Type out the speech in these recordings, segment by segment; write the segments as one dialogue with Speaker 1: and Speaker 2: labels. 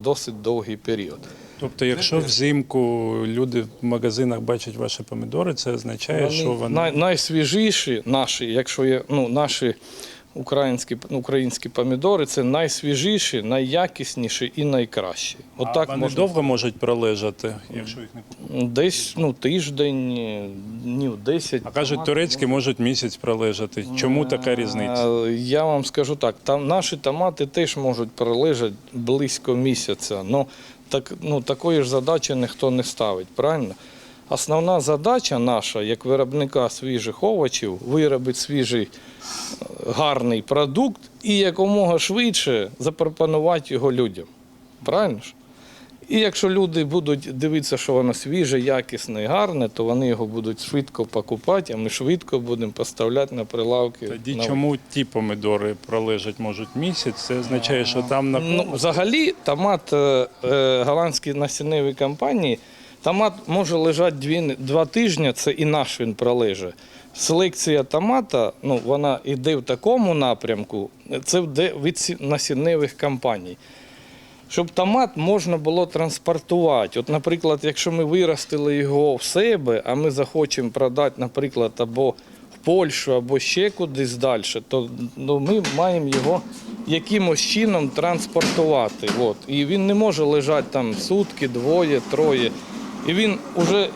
Speaker 1: досить довгий період.
Speaker 2: Тобто, якщо взимку люди в магазинах бачать ваші помідори, це означає, що вони…
Speaker 1: Найсвіжіші наші, якщо є, наші українські помідори, це найсвіжіші, найякісніші і найкращі.
Speaker 2: Отак вони довго можуть пролежати, якщо їх не купувати?
Speaker 1: Десь тиждень, днів 10.
Speaker 2: А кажуть, турецькі можуть місяць пролежати. Чому така різниця?
Speaker 1: Я вам скажу так, наші томати теж можуть пролежати близько місяця. Такої ж задачі ніхто не ставить, правильно? Основна задача наша, як виробника свіжих овочів, виробити свіжий гарний продукт і якомога швидше запропонувати його людям. Правильно ж? І якщо люди будуть дивитися, що воно свіже, якісне і гарне, то вони його будуть швидко покупати, а ми швидко будемо поставляти на прилавки.
Speaker 2: Тоді чому ті помідори пролежать можуть місяць? Це означає, що там на…
Speaker 1: Взагалі томат голландської насінневої компанії, томат може лежати 2 тижні, це і наш він пролежить. Селекція томата, вона йде в такому напрямку, це йде від насінневих компаній. Щоб томат можна було транспортувати. От, наприклад, якщо ми виростили його в себе, а ми захочемо продати, наприклад, або в Польщу, або ще кудись далі, то ми маємо його якимось чином транспортувати. І він не може лежати там сутки, 2, 3. І він вже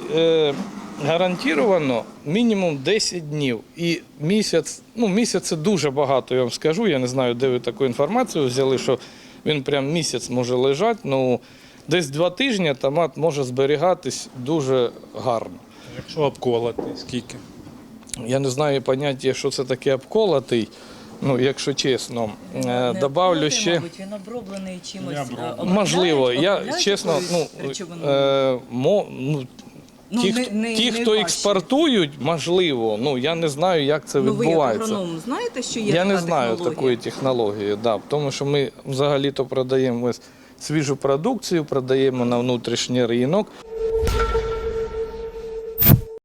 Speaker 1: гарантовано мінімум 10 днів. І місяць це дуже багато, я вам скажу. Я не знаю, де ви таку інформацію взяли, що він прям місяць може лежати. Десь 2 тижні томат може зберігатись дуже гарно.
Speaker 2: Якщо обколотий, скільки?
Speaker 1: Я не знаю поняття, що це таке обколотий. Якщо чесно, добавлю ще…
Speaker 3: Мабуть, він оброблений чимось.
Speaker 1: Можливо, я чесно, ті, хто експортують, можливо, я не знаю, як це відбувається.
Speaker 3: Ви як агроном знаєте, що є
Speaker 1: Я не
Speaker 3: така
Speaker 1: знаю
Speaker 3: технологія?
Speaker 1: такої технології, тому що ми взагалі-то продаємо свіжу продукцію, продаємо на внутрішній ринок.